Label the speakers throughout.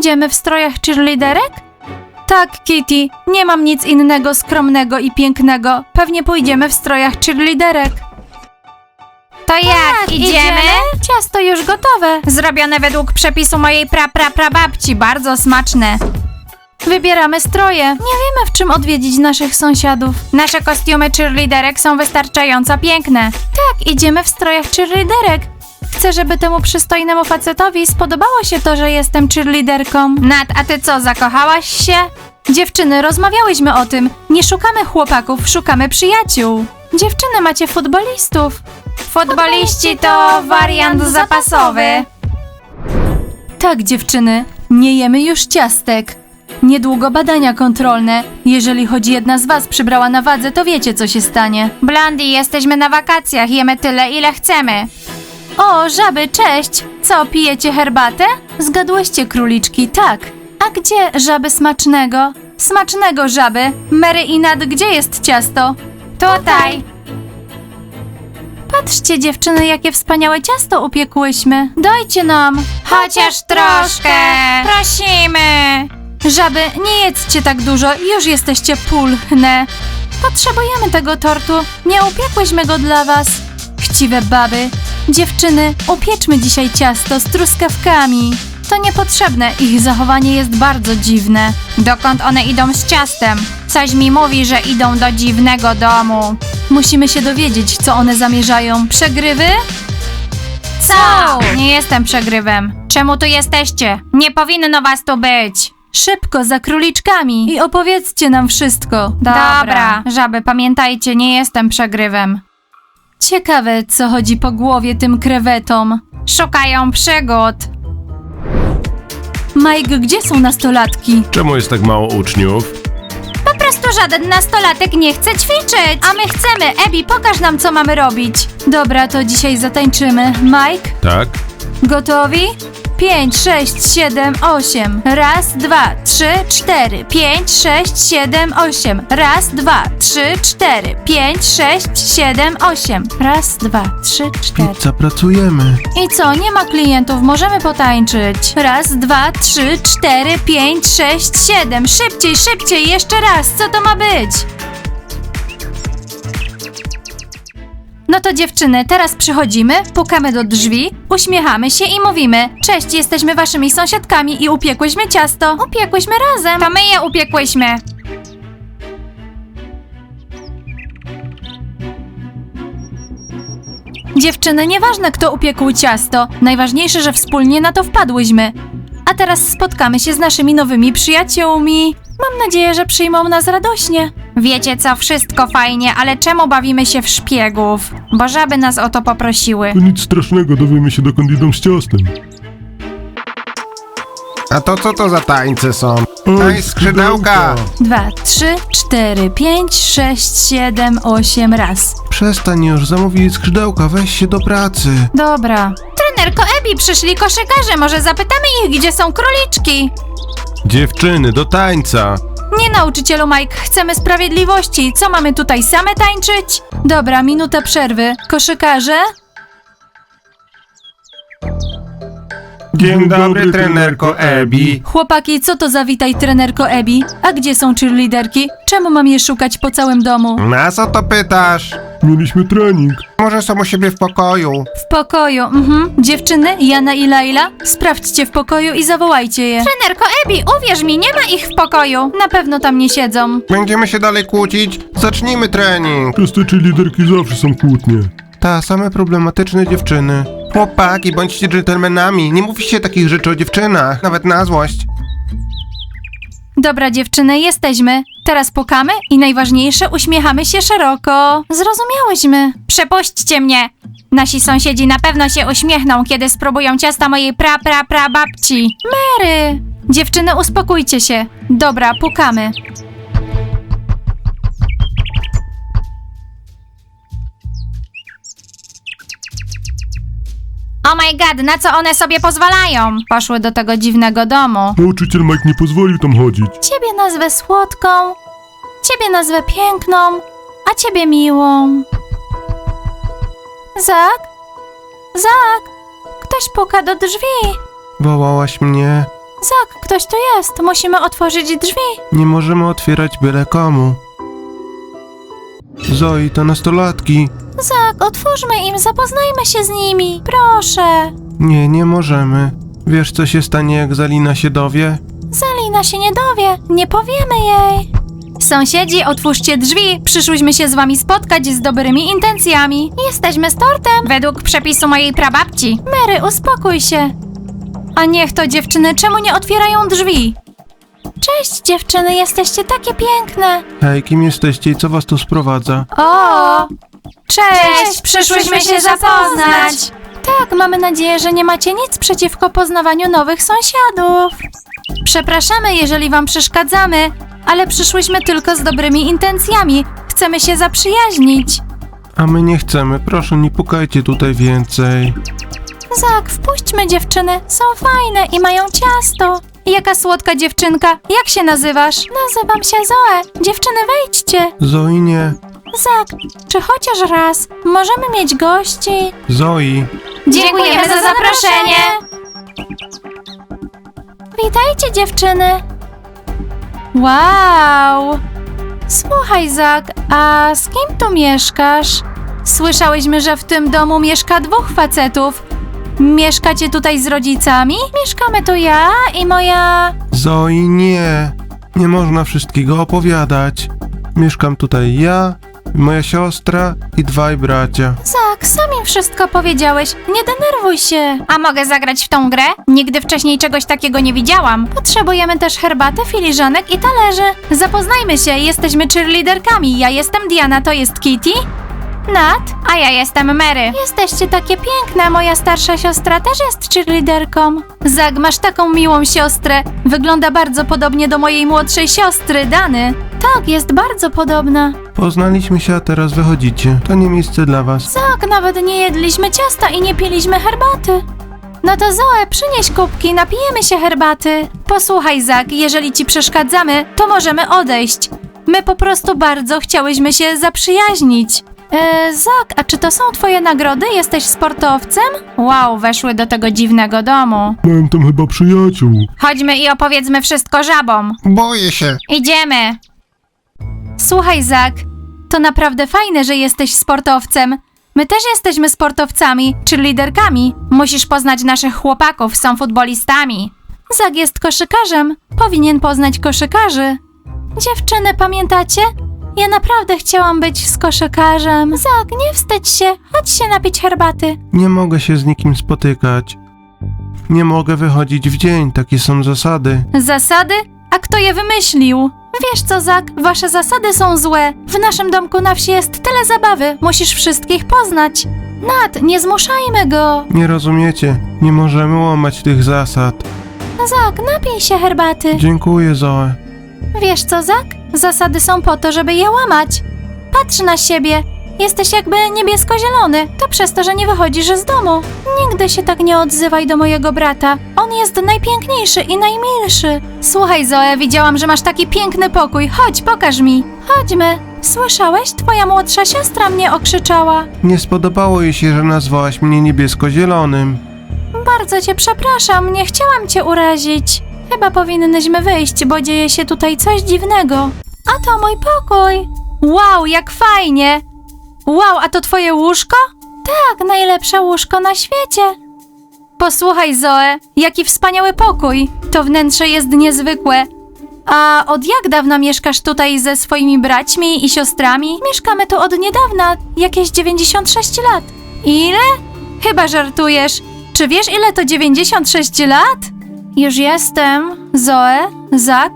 Speaker 1: Pójdziemy w strojach cheerleaderek? Tak, Kitty, nie mam nic innego skromnego i pięknego. Pewnie pójdziemy w strojach cheerleaderek.
Speaker 2: To jak, idziemy?
Speaker 1: Ciasto już gotowe.
Speaker 2: Zrobione według przepisu mojej prababci, bardzo smaczne.
Speaker 1: Wybieramy stroje. Nie wiemy, w czym odwiedzić naszych sąsiadów.
Speaker 2: Nasze kostiumy cheerleaderek są wystarczająco piękne.
Speaker 1: Tak, idziemy w strojach cheerleaderek. Chcę, żeby temu przystojnemu facetowi spodobało się to, że jestem cheerleaderką.
Speaker 2: Nat, a ty co, zakochałaś się?
Speaker 1: Dziewczyny, rozmawiałyśmy o tym. Nie szukamy chłopaków, szukamy przyjaciół. Dziewczyny, macie futbolistów.
Speaker 2: Futboliści to wariant zapasowy.
Speaker 1: Tak, dziewczyny, nie jemy już ciastek. Niedługo badania kontrolne. Jeżeli choć jedna z was przybrała na wadze, to wiecie, co się stanie.
Speaker 2: Blondie, jesteśmy na wakacjach, jemy tyle, ile chcemy.
Speaker 1: O, żaby, cześć! Co, pijecie herbatę? Zgadłyście, króliczki, tak. A gdzie żaby smacznego? Smacznego żaby. Mary i Nat, gdzie jest ciasto?
Speaker 2: Tutaj.
Speaker 1: Patrzcie, dziewczyny, jakie wspaniałe ciasto upiekłyśmy. Dajcie nam.
Speaker 2: Chociaż troszkę. Prosimy.
Speaker 1: Żaby, nie jedzcie tak dużo, już jesteście pulchne. Potrzebujemy tego tortu, nie upiekłyśmy go dla was. Chciwe baby. Dziewczyny, upieczmy dzisiaj ciasto z truskawkami. To niepotrzebne, ich zachowanie jest bardzo dziwne.
Speaker 2: Dokąd one idą z ciastem? Coś mi mówi, że idą do dziwnego domu.
Speaker 1: Musimy się dowiedzieć, co one zamierzają. Przegrywy?
Speaker 2: Co? Nie jestem przegrywem. Czemu tu jesteście? Nie powinno was tu być.
Speaker 1: Szybko, za króliczkami i opowiedzcie nam wszystko.
Speaker 2: Dobra, żaby, pamiętajcie, nie jestem przegrywem.
Speaker 1: Ciekawe, co chodzi po głowie tym krewetom.
Speaker 2: Szukają przygód.
Speaker 1: Mike, gdzie są nastolatki?
Speaker 3: Czemu jest tak mało uczniów?
Speaker 2: Po prostu żaden nastolatek nie chce ćwiczyć.
Speaker 1: A my chcemy. Abby, pokaż nam, co mamy robić. Dobra, to dzisiaj zatańczymy. Mike,
Speaker 3: Tak?
Speaker 1: gotowi? 5, 6, 7, 8. Raz, 2, 3, 4. 5, 6, 7, 8. Raz, 2, 3, 4. 5, 6, 7, 8. Raz, 2, 3, 4.
Speaker 3: Pizza, pracujemy.
Speaker 1: I co, nie ma klientów, możemy potańczyć. Raz, 2, 3, 4, 5, 6, 7. Szybciej, szybciej, jeszcze raz, co to ma być? No to dziewczyny, teraz przychodzimy, pukamy do drzwi, uśmiechamy się i mówimy: cześć, jesteśmy waszymi sąsiadkami i upiekłyśmy ciasto. Upiekłyśmy razem.
Speaker 2: To my je upiekłyśmy.
Speaker 1: Dziewczyny, nieważne kto upiekł ciasto, najważniejsze, że wspólnie na to wpadłyśmy. A teraz spotkamy się z naszymi nowymi przyjaciółmi. Mam nadzieję, że przyjmą nas radośnie.
Speaker 2: Wiecie co, wszystko fajnie, ale czemu bawimy się w szpiegów? Bo żaby nas o to poprosiły.
Speaker 3: To nic strasznego, dowiemy się dokąd idą z ciastem.
Speaker 4: A to co to za tańce są? Daj skrzydełka!
Speaker 1: 2, 3, 4, 5, 6, 7, 8 raz.
Speaker 4: Przestań już, zamówili skrzydełka, weź się do pracy.
Speaker 1: Dobra.
Speaker 2: Trenerko Abby, przyszli koszykarze, może zapytamy ich, gdzie są króliczki?
Speaker 3: Dziewczyny, do tańca!
Speaker 1: Nie, nauczycielu Mike, chcemy sprawiedliwości. Co, mamy tutaj same tańczyć? Dobra, minuta przerwy. Koszykarze?
Speaker 4: Dzień dobry, trenerko Abby.
Speaker 1: Chłopaki, co to za witaj, trenerko Abby? A gdzie są cheerleaderki? Czemu mam je szukać po całym domu?
Speaker 4: Nas o to pytasz?
Speaker 3: Mieliśmy trening.
Speaker 4: Może są u siebie w pokoju.
Speaker 1: W pokoju, Dziewczyny, Jana i Laila, sprawdźcie w pokoju i zawołajcie je.
Speaker 2: Trenerko Abby, uwierz mi, nie ma ich w pokoju.
Speaker 1: Na pewno tam nie siedzą.
Speaker 4: Będziemy się dalej kłócić? Zacznijmy trening.
Speaker 3: Przez te liderki zawsze są kłótnie.
Speaker 4: Ta, same problematyczne dziewczyny. Chłopaki, bądźcie dżentelmenami. Nie mówi się takich rzeczy o dziewczynach, nawet na złość.
Speaker 1: Dobra, dziewczyny, jesteśmy. Teraz pukamy i najważniejsze, uśmiechamy się szeroko. Zrozumiałyśmy.
Speaker 2: Przepuśćcie mnie. Nasi sąsiedzi na pewno się uśmiechną, kiedy spróbują ciasta mojej prababci.
Speaker 1: Mary! Dziewczyny, uspokójcie się. Dobra, pukamy.
Speaker 2: Oh my god, na co one sobie pozwalają? Poszły do tego dziwnego domu.
Speaker 3: Nauczyciel Mike nie pozwolił tam chodzić.
Speaker 1: Ciebie nazwę słodką, ciebie nazwę piękną, a ciebie miłą. Zak? Zak? Ktoś puka do drzwi.
Speaker 4: Wołałaś mnie?
Speaker 1: Zak, ktoś tu jest. Musimy otworzyć drzwi.
Speaker 4: Nie możemy otwierać byle komu. Zoe, to nastolatki.
Speaker 1: Zak, otwórzmy im, zapoznajmy się z nimi. Proszę.
Speaker 4: Nie, nie możemy. Wiesz, co się stanie, jak Zalina się dowie?
Speaker 1: Zalina się nie dowie. Nie powiemy jej. Sąsiedzi, otwórzcie drzwi. Przyszłyśmy się z wami spotkać z dobrymi intencjami. Jesteśmy z tortem.
Speaker 2: Według przepisu mojej prababci.
Speaker 1: Mary, uspokój się. A niech to dziewczyny, czemu nie otwierają drzwi? Cześć dziewczyny, jesteście takie piękne.
Speaker 4: Hej, kim jesteście i co was tu sprowadza?
Speaker 1: O!
Speaker 2: Cześć, przyszłyśmy się zapoznać.
Speaker 1: Tak, mamy nadzieję, że nie macie nic przeciwko poznawaniu nowych sąsiadów. Przepraszamy, jeżeli wam przeszkadzamy, ale przyszłyśmy tylko z dobrymi intencjami. Chcemy się zaprzyjaźnić.
Speaker 4: A my nie chcemy, proszę, nie pukajcie tutaj więcej.
Speaker 1: Zak, wpuśćmy dziewczyny, są fajne i mają ciasto. Jaka słodka dziewczynka, jak się nazywasz? Nazywam się Zoe. Dziewczyny, wejdźcie.
Speaker 4: Zoe, nie.
Speaker 1: Zak, czy chociaż raz możemy mieć gości?
Speaker 4: Zoe.
Speaker 2: Dziękujemy za zaproszenie.
Speaker 1: Witajcie dziewczyny. Wow. Słuchaj Zak, a z kim tu mieszkasz? Słyszałyśmy, że w tym domu mieszka 2 facetów. Mieszkacie tutaj z rodzicami? Mieszkamy tu ja i moja...
Speaker 4: Zoe, nie. Nie można wszystkiego opowiadać. Mieszkam tutaj ja, moja siostra i 2 bracia.
Speaker 1: Zak, sam im wszystko powiedziałeś. Nie denerwuj się.
Speaker 2: A mogę zagrać w tą grę? Nigdy wcześniej czegoś takiego nie widziałam.
Speaker 1: Potrzebujemy też herbaty, filiżanek i talerzy. Zapoznajmy się, jesteśmy cheerleaderkami. Ja jestem Diana, to jest Kitty. Nat,
Speaker 2: A ja jestem Mary.
Speaker 1: jesteście takie piękne. Moja starsza siostra też jest cheerleaderką. Zak, masz taką miłą siostrę. Wygląda bardzo podobnie do mojej młodszej siostry, Dany. Tak, jest bardzo podobna.
Speaker 4: Poznaliśmy się, a teraz wychodzicie. To nie miejsce dla was.
Speaker 1: Tak, nawet nie jedliśmy ciasta i nie piliśmy herbaty. No to Zoe, przynieś kubki, napijemy się herbaty. Posłuchaj, Zak, jeżeli ci przeszkadzamy, to możemy odejść. My po prostu bardzo chciałyśmy się zaprzyjaźnić. Zak, a czy to są twoje nagrody? Jesteś sportowcem?
Speaker 2: Wow, weszły do tego dziwnego domu.
Speaker 3: Mam tam chyba przyjaciół.
Speaker 2: Chodźmy i opowiedzmy wszystko żabom.
Speaker 4: Boję się.
Speaker 2: Idziemy.
Speaker 1: Słuchaj, Zak, to naprawdę fajne, że jesteś sportowcem. My też jesteśmy sportowcami, czy liderkami.
Speaker 2: Musisz poznać naszych chłopaków, są futbolistami.
Speaker 1: Zak jest koszykarzem. Powinien poznać koszykarzy. Dziewczyny, pamiętacie? Ja naprawdę chciałam być z koszykarzem. Zak, nie wstydź się. Chodź się napić herbaty.
Speaker 4: Nie mogę się z nikim spotykać. Nie mogę wychodzić w dzień, takie są zasady.
Speaker 1: Zasady? A kto je wymyślił? Wiesz co, Zak? Wasze zasady są złe. W naszym domku na wsi jest tyle zabawy. Musisz wszystkich poznać. Nat, nie zmuszajmy go.
Speaker 4: Nie rozumiecie, nie możemy łamać tych zasad.
Speaker 1: Zak, napij się herbaty.
Speaker 4: Dziękuję, Zoe.
Speaker 1: Wiesz co, Zak? Zasady są po to, żeby je łamać. Patrz na siebie. Jesteś jakby niebiesko-zielony. To przez to, że nie wychodzisz z domu. Nigdy się tak nie odzywaj do mojego brata. On jest najpiękniejszy i najmilszy. Słuchaj, Zoe, widziałam, że masz taki piękny pokój. Chodź, pokaż mi. Chodźmy. Słyszałeś? Twoja młodsza siostra mnie okrzyczała.
Speaker 4: Nie spodobało jej się, że nazwałaś mnie niebiesko-zielonym.
Speaker 1: Bardzo cię przepraszam, nie chciałam cię urazić. Chyba powinnyśmy wyjść, bo dzieje się tutaj coś dziwnego. A to mój pokój. Wow, jak fajnie. Wow, a to twoje łóżko? Tak, najlepsze łóżko na świecie. Posłuchaj, Zoe, jaki wspaniały pokój. To wnętrze jest niezwykłe. A od jak dawna mieszkasz tutaj ze swoimi braćmi i siostrami? Mieszkamy tu od niedawna, jakieś 96 lat. Ile? Chyba żartujesz. Czy wiesz, ile to 96 lat? Już jestem. Zoe? Zak?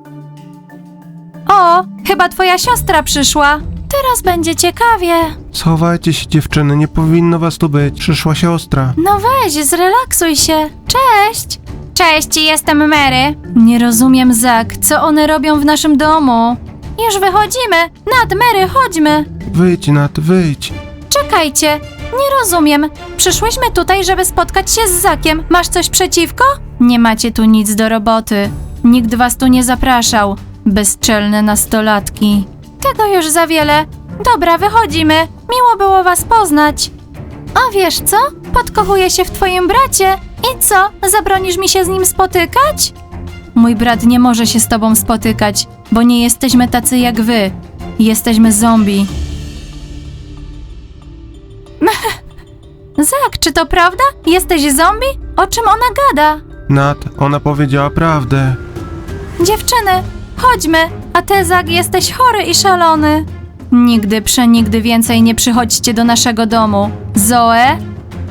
Speaker 1: O, chyba twoja siostra przyszła. Teraz będzie ciekawie.
Speaker 4: Schowajcie się, dziewczyny, nie powinno was tu być. Przyszła siostra.
Speaker 1: No weź, zrelaksuj się. Cześć.
Speaker 2: Cześć, jestem Mary.
Speaker 1: Nie rozumiem, Zak, co one robią w naszym domu? Już wychodzimy. Nat, Mary, chodźmy.
Speaker 4: Wyjdź, Nat, wyjdź.
Speaker 1: Czekajcie, nie rozumiem. Przyszłyśmy tutaj, żeby spotkać się z Zakiem. Masz coś przeciwko? Nie macie tu nic do roboty. Nikt was tu nie zapraszał. Bezczelne nastolatki. Tego już za wiele. Dobra, wychodzimy. Miło było was poznać. A wiesz co? Podkochuję się w twoim bracie. I co, zabronisz mi się z nim spotykać? Mój brat nie może się z tobą spotykać, bo nie jesteśmy tacy jak wy. Jesteśmy zombie. Zak, czy to prawda? Jesteś zombie? O czym ona gada?
Speaker 4: Nat, ona powiedziała prawdę.
Speaker 1: Dziewczyny, chodźmy, a ty, Zak, jesteś chory i szalony. Nigdy, przenigdy więcej nie przychodźcie do naszego domu. Zoe?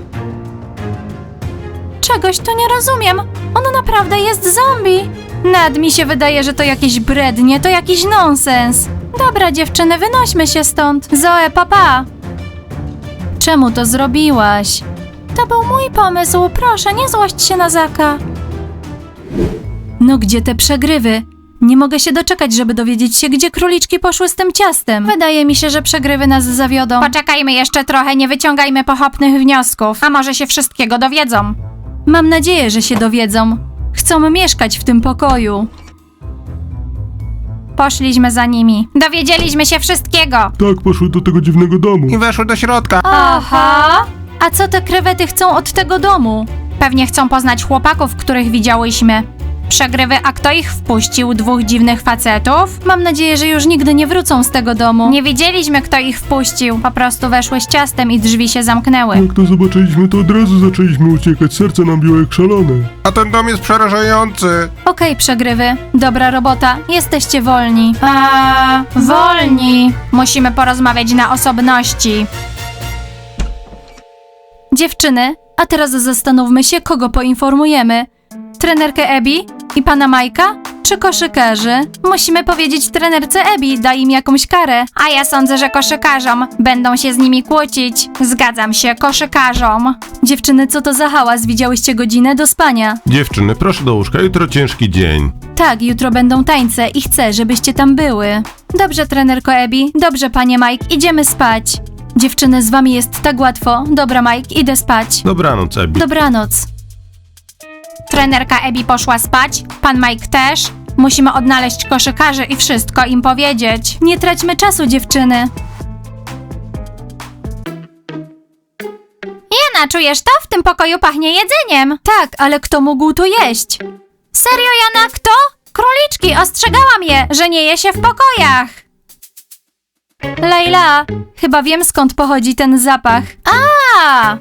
Speaker 1: Czegoś tu nie rozumiem. On naprawdę jest zombie. Nad mi się wydaje, że to jakieś brednie, to jakiś nonsens. Dobra, dziewczyny, wynośmy się stąd. Zoe, papa. Czemu to zrobiłaś? To był mój pomysł, proszę, nie złość się na Zaka. No gdzie te przegrywy? Nie mogę się doczekać, żeby dowiedzieć się, gdzie króliczki poszły z tym ciastem. Wydaje mi się, że przegrywy nas zawiodą.
Speaker 2: Poczekajmy jeszcze trochę, nie wyciągajmy pochopnych wniosków. A może się wszystkiego dowiedzą?
Speaker 1: Mam nadzieję, że się dowiedzą. Chcą mieszkać w tym pokoju.
Speaker 2: Poszliśmy za nimi. Dowiedzieliśmy się wszystkiego.
Speaker 3: Tak, poszły do tego dziwnego domu.
Speaker 4: I weszły do środka.
Speaker 1: Aha! A co te krewety chcą od tego domu?
Speaker 2: Pewnie chcą poznać chłopaków, których widziałyśmy. Przegrywy, a kto ich wpuścił? 2 dziwnych facetów?
Speaker 1: Mam nadzieję, że już nigdy nie wrócą z tego domu.
Speaker 2: Nie wiedzieliśmy, kto ich wpuścił. Po prostu weszły z ciastem i drzwi się zamknęły.
Speaker 3: Jak to zobaczyliśmy, to od razu zaczęliśmy uciekać. Serce nam biło jak szalone.
Speaker 4: A ten dom jest przerażający.
Speaker 1: Okej, przegrywy. Dobra robota. Jesteście wolni.
Speaker 2: Wolni. Musimy porozmawiać na osobności.
Speaker 1: Dziewczyny, a teraz zastanówmy się, kogo poinformujemy. Trenerkę Ebi i pana Majka? Czy koszykarzy? Musimy powiedzieć trenerce Ebi, daj im jakąś karę.
Speaker 2: A ja sądzę, że koszykarzom. Będą się z nimi kłócić. Zgadzam się, koszykarzom.
Speaker 1: Dziewczyny, co to za hałas? Widziałyście godzinę do spania?
Speaker 3: Dziewczyny, proszę do łóżka, jutro ciężki dzień.
Speaker 1: Tak, jutro będą tańce i chcę, żebyście tam były. Dobrze, trenerko Ebi, dobrze, panie Mike, idziemy spać. Dziewczyny, z wami jest tak łatwo. Dobra, Mike, idę spać.
Speaker 3: Dobranoc, Ebi.
Speaker 1: Dobranoc.
Speaker 2: Trenerka Ebi poszła spać, pan Mike też. Musimy odnaleźć koszykarzy i wszystko im powiedzieć.
Speaker 1: Nie traćmy czasu, dziewczyny.
Speaker 2: Jana, czujesz to? W tym pokoju pachnie jedzeniem.
Speaker 1: Tak, ale kto mógł tu jeść?
Speaker 2: Serio, Jana, kto? Króliczki, ostrzegałam je, że nie je się w pokojach.
Speaker 1: Leila, chyba wiem, skąd pochodzi ten zapach.
Speaker 2: A!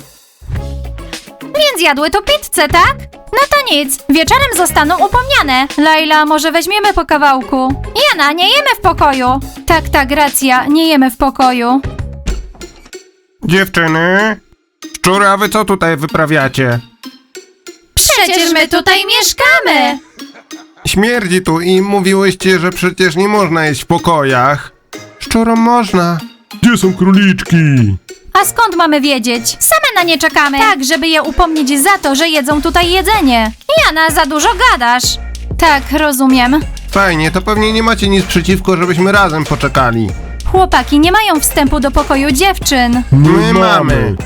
Speaker 2: Więc jadły tu pizzę, tak? No to nic, wieczorem zostaną upomniane.
Speaker 1: Leila, może weźmiemy po kawałku?
Speaker 2: Jana, nie jemy w pokoju.
Speaker 1: Tak, racja, nie jemy w pokoju.
Speaker 4: Dziewczyny? Szczury, a wy co tutaj wyprawiacie?
Speaker 2: Przecież my tutaj mieszkamy.
Speaker 4: Śmierdzi tu i mówiłyście, że przecież nie można jeść w pokojach. Szczurom można.
Speaker 3: Gdzie są króliczki?
Speaker 1: A skąd mamy wiedzieć?
Speaker 2: Same na nie czekamy.
Speaker 1: Tak, żeby je upomnieć za to, że jedzą tutaj jedzenie.
Speaker 2: Jana, za dużo gadasz.
Speaker 1: Tak, rozumiem.
Speaker 4: Fajnie, to pewnie nie macie nic przeciwko, żebyśmy razem poczekali.
Speaker 1: Chłopaki nie mają wstępu do pokoju dziewczyn.
Speaker 4: My mamy.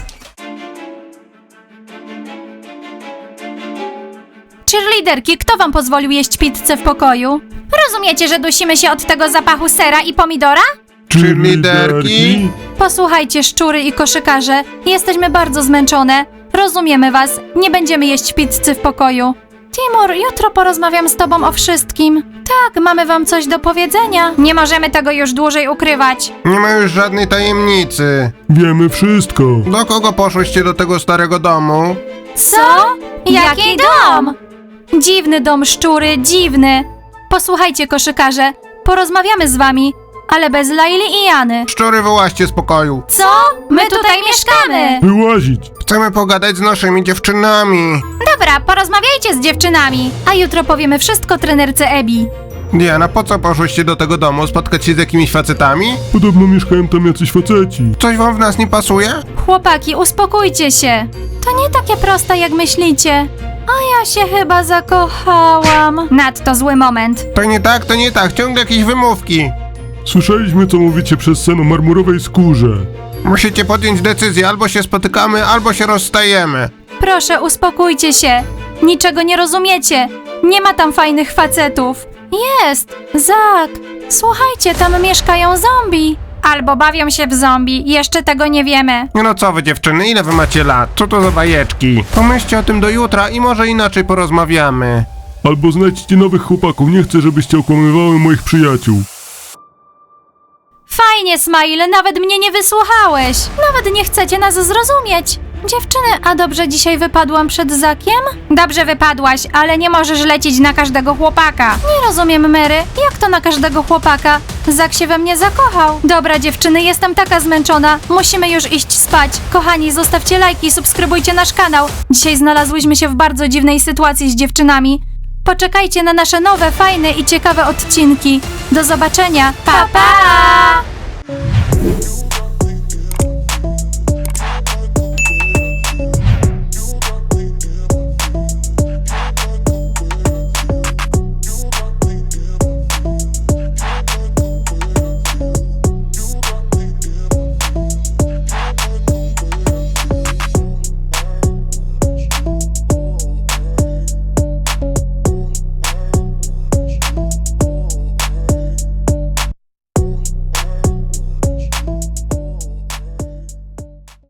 Speaker 1: Cheerleaderki, kto wam pozwolił jeść pizzę w pokoju?
Speaker 2: Rozumiecie, że dusimy się od tego zapachu sera i pomidora?
Speaker 4: Cheerleaderki?
Speaker 1: Posłuchajcie, szczury i koszykarze, jesteśmy bardzo zmęczone. Rozumiemy was, nie będziemy jeść pizzy w pokoju. Timur, jutro porozmawiam z tobą o wszystkim. Tak, mamy wam coś do powiedzenia.
Speaker 2: Nie możemy tego już dłużej ukrywać.
Speaker 4: Nie ma już żadnej tajemnicy.
Speaker 3: Wiemy wszystko.
Speaker 4: Do kogo poszłyście do tego starego domu?
Speaker 1: Co?
Speaker 2: Jaki dom?
Speaker 1: Dziwny dom, szczury, dziwny. Posłuchajcie, koszykarze, porozmawiamy z wami, ale bez Laili i Jany.
Speaker 4: Szczury, wyłaźcie z pokoju.
Speaker 1: Co? My tutaj mieszkamy.
Speaker 3: Wyłazić.
Speaker 4: Chcemy pogadać z naszymi dziewczynami.
Speaker 2: Dobra, porozmawiajcie z dziewczynami.
Speaker 1: A jutro powiemy wszystko trenerce Ebi.
Speaker 4: Diana, po co poszłyście do tego domu? Spotkać się z jakimiś facetami?
Speaker 3: Podobno mieszkają tam jacyś faceci.
Speaker 4: Coś wam w nas nie pasuje?
Speaker 1: Chłopaki, uspokójcie się. To nie takie proste, jak myślicie. A ja się chyba zakochałam.
Speaker 2: Nadto zły moment.
Speaker 4: To nie tak, ciągle jakieś wymówki.
Speaker 3: Słyszeliśmy, co mówicie przez sen o marmurowej skórze.
Speaker 4: Musicie podjąć decyzję, albo się spotykamy, albo się rozstajemy.
Speaker 1: Proszę, uspokójcie się. Niczego nie rozumiecie. Nie ma tam fajnych facetów. Jest! Zak! Słuchajcie, tam mieszkają zombie.
Speaker 2: Albo bawią się w zombie, jeszcze tego nie wiemy.
Speaker 4: No co wy dziewczyny, ile wy macie lat? Co to za bajeczki? Pomyślcie o tym do jutra i może inaczej porozmawiamy.
Speaker 3: Albo znajdźcie nowych chłopaków, nie chcę, żebyście okłamywały moich przyjaciół.
Speaker 1: Fajnie, Smile, nawet mnie nie wysłuchałeś. Nawet nie chcecie nas zrozumieć. Dziewczyny, a dobrze dzisiaj wypadłam przed Zakiem?
Speaker 2: Dobrze wypadłaś, ale nie możesz lecieć na każdego chłopaka.
Speaker 1: Nie rozumiem, Mary. Jak to na każdego chłopaka? Zak się we mnie zakochał. Dobra, dziewczyny, jestem taka zmęczona. Musimy już iść spać. Kochani, zostawcie lajki i subskrybujcie nasz kanał. Dzisiaj znalazłyśmy się w bardzo dziwnej sytuacji z dziewczynami. Poczekajcie na nasze nowe, fajne i ciekawe odcinki. Do zobaczenia. Pa, pa!